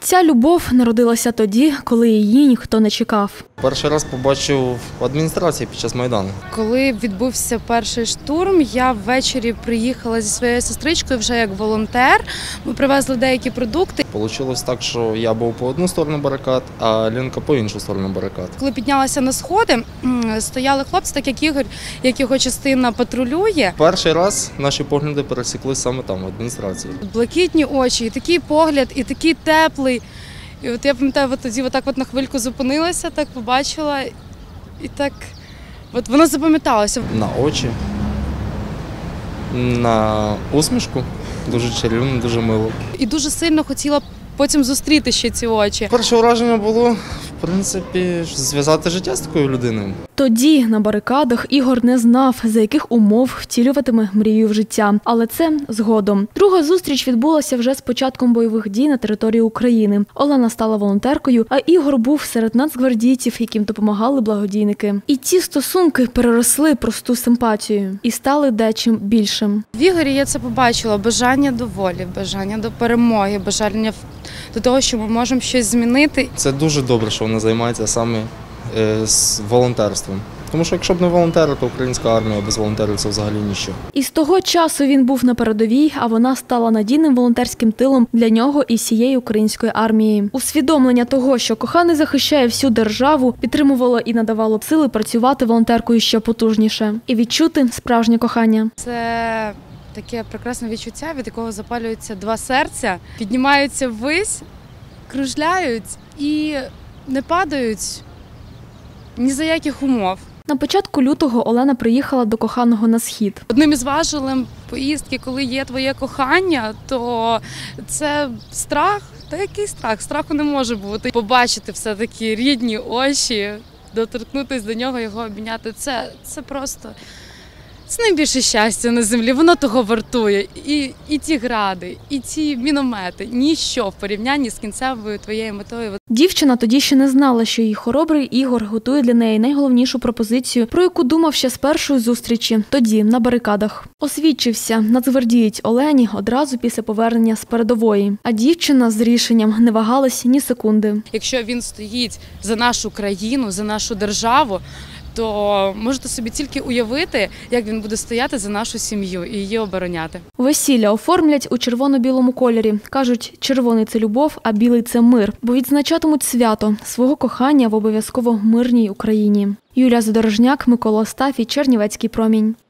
Ця любов народилася тоді, коли її ніхто не чекав. Перший раз побачив в адміністрації під час Майдану. Коли відбувся перший штурм, я ввечері приїхала зі своєю сестричкою вже як волонтер. Ми привезли деякі продукти. Получилось так, що я був по одну сторону барикад, а Ленка по іншу сторону барикад. Коли піднялася на сходи, стояли хлопці, так як Ігор, як його частина патрулює. Перший раз наші погляди пересікли саме там, в адміністрації. Блакитні очі, і такий погляд, і такий теплий. І от я пам'ятаю, тоді отак на хвильку зупинилася, так побачила, і так от воно запам'яталося. На очі, на усмішку. Дуже чарівно, дуже мило. І дуже сильно хотіла потім зустріти ще ці очі. Перше враження було, в принципі, зв'язати життя з такою людиною. Тоді на барикадах Ігор не знав, за яких умов втілюватиме мрію в життя. Але це згодом. Друга зустріч відбулася вже з початком бойових дій на території України. Олена стала волонтеркою, а Ігор був серед нацгвардійців, яким допомагали благодійники. І ці стосунки переросли просту симпатію і стали дечим більшим. В Ігорі я це побачила. Бажання до волі, бажання до перемоги, бажання до того, що ми можемо щось змінити. Це дуже добре, що вона займається саме з волонтерством. Тому що якщо б не волонтери, то українська армія без волонтерів – це взагалі ніщо. І з того часу він був на передовій, а вона стала надійним волонтерським тилом для нього і всієї української армії. Усвідомлення того, що коханий захищає всю державу, підтримувало і надавало сили працювати волонтеркою ще потужніше і відчути справжнє кохання. Це таке прекрасне відчуття, від якого запалюються два серця, піднімаються ввись, кружляють і не падають ні за яких умов. На початку лютого Олена приїхала до коханого на схід. Одним із важелем поїздки, коли є твоє кохання, то це страх. Та який страх? Страху не може бути. Побачити все-таки рідні очі, доторкнутися до нього, його обійняти – це просто… Це найбільше щастя на землі, воно того вартує. І ті гради, і ці міномети, ніщо в порівнянні з кінцевою твоєю метою. Дівчина тоді ще не знала, що її хоробрий Ігор готує для неї найголовнішу пропозицію, про яку думав ще з першої зустрічі, тоді, на барикадах. Освідчився нацгвардієць Олені одразу після повернення з передової. А дівчина з рішенням не вагалась ні секунди. Якщо він стоїть за нашу країну, за нашу державу, то можете собі тільки уявити, як він буде стояти за нашу сім'ю і її обороняти. Весілля оформлять у червоно-білому кольорі. Кажуть, червоний – це любов, а білий – це мир. Бо відзначатимуть свято свого кохання в обов'язково мирній Україні. Юлія Задорожняк, Микола Остафій, Чернівецький промінь.